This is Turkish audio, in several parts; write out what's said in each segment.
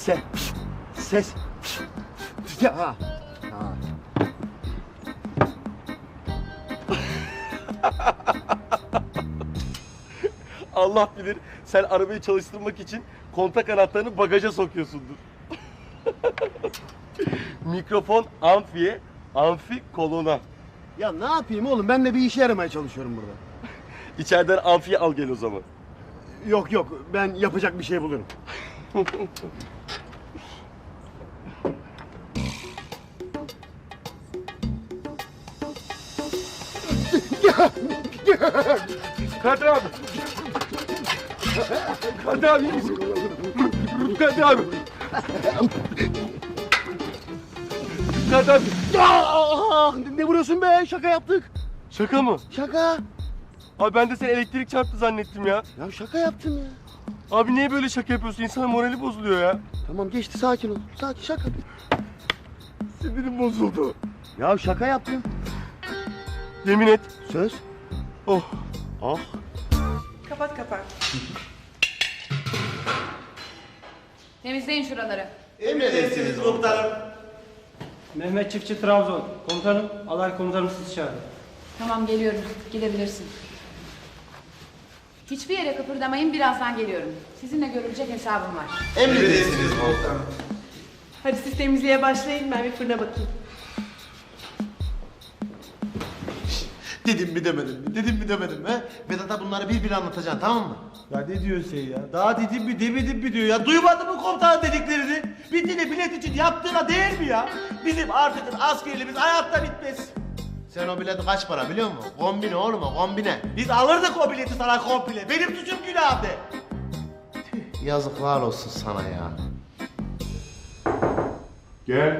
Ses. Ya. Ha. Allah bilir sen arabayı çalıştırmak için kontak anahtarını bagaja sokuyorsundur. Mikrofon amfiye, amfi kolona. Ya ne yapayım oğlum? Ben de bir işe yaramaya çalışıyorum burada. İçeriden amfiye al gel o zaman. Yok ben yapacak bir şey bulurum. Kadir abi. Kadir abi. Kadir abi. Kadir abi. Ne vuruyorsun be? Şaka yaptık. Şaka mı? Şaka. Abi ben de seni elektrik çarptı zannettim ya. Ya şaka yaptım ya. Abi niye böyle şaka yapıyorsun? İnsanın morali bozuluyor ya. Tamam geçti, sakin ol. Sakin, şaka. Sinirim bozuldu. Ya şaka yaptım. Yemin et. Söz. Oh. Ah. Kapat. Temizleyin şuraları. Emredersiniz komutanım. Mehmet Çiftçi Trabzon. Komutanım, alay komutanım sizi çağırdı. Tamam geliyorum. Gidebilirsin. Hiçbir yere kıpırdamayın. Birazdan geliyorum. Sizinle görülecek hesabım var. Emredersiniz komutanım. Hadi siz temizliğe başlayın, ben bir fırına bakayım. Dedim mi demedim mi? Vedat'a bunları bir anlatacaksın, tamam mı? Ya ne diyorsun sen ya? Daha dedim mi demedim mi diyor ya. Duymadın mı komutanın dediklerini? Bir tane bilet için yaptığına değer mi ya? Bizim artık askerliğimiz hayatta bitmez. Sen o bileti kaç para biliyor musun? Kombine oğlum o, kombine. Biz alırdık o bileti sana komple. Benim suçum günah de. Yazıklar olsun sana ya. Gel.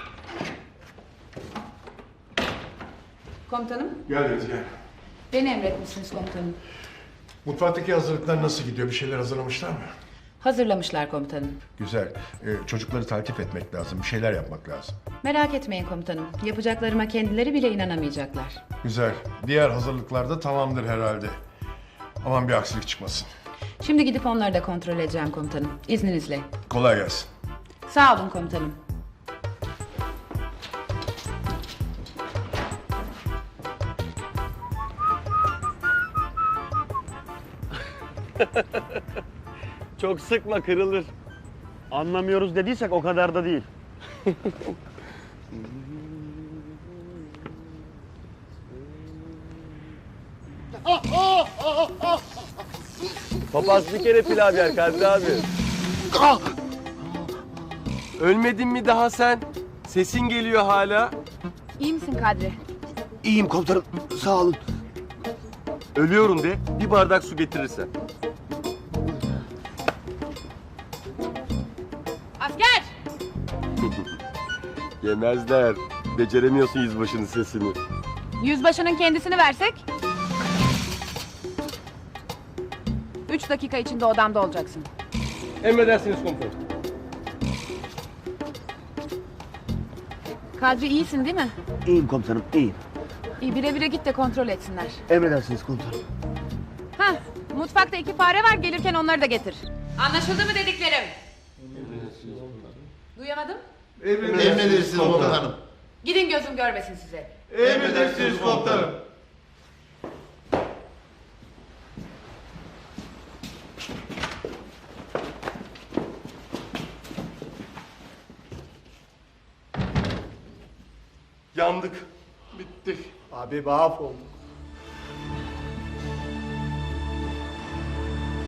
Komutanım, Gel Deniz gel. beni emretmişsiniz komutanım. Mutfaktaki hazırlıklar nasıl gidiyor? Bir şeyler hazırlamışlar mı? Hazırlamışlar komutanım. Güzel. Çocukları takip etmek lazım. Bir şeyler yapmak lazım. Merak etmeyin komutanım. Yapacaklarıma kendileri bile inanamayacaklar. Güzel. Diğer hazırlıklar da tamamdır herhalde. Aman bir aksilik çıkmasın. Şimdi gidip onları da kontrol edeceğim komutanım. İzninizle. Kolay gelsin. Sağ olun komutanım. Çok sıkma kırılır. Anlamıyoruz dediysek o kadar da değil. Papaz bir kere pilav yer Kadir abi. Ölmedin mi daha sen? Sesin geliyor hala. İyi misin Kadri? İyiyim komutanım. Sağ olun. Ölüyorum de bir bardak su getirirsen. Asker! Yemezler. Beceremiyorsun yüzbaşının sesini. Yüzbaşının kendisini versek? 3 dakika içinde odamda olacaksın. Emredersiniz komutanım. Kadri iyisin değil mi? İyiyim komutanım, iyiyim. İyi, bire bire git de kontrol etsinler. Emredersiniz komutanım. Hah, mutfakta 2 fare var, gelirken onları da getir. Anlaşıldı mı dediklerim? Duyamadım. Emredersiniz komutanım. Gidin gözüm görmesin size. Emredersiniz komutanım. Yandık. Bittik. Abi mahvolduk.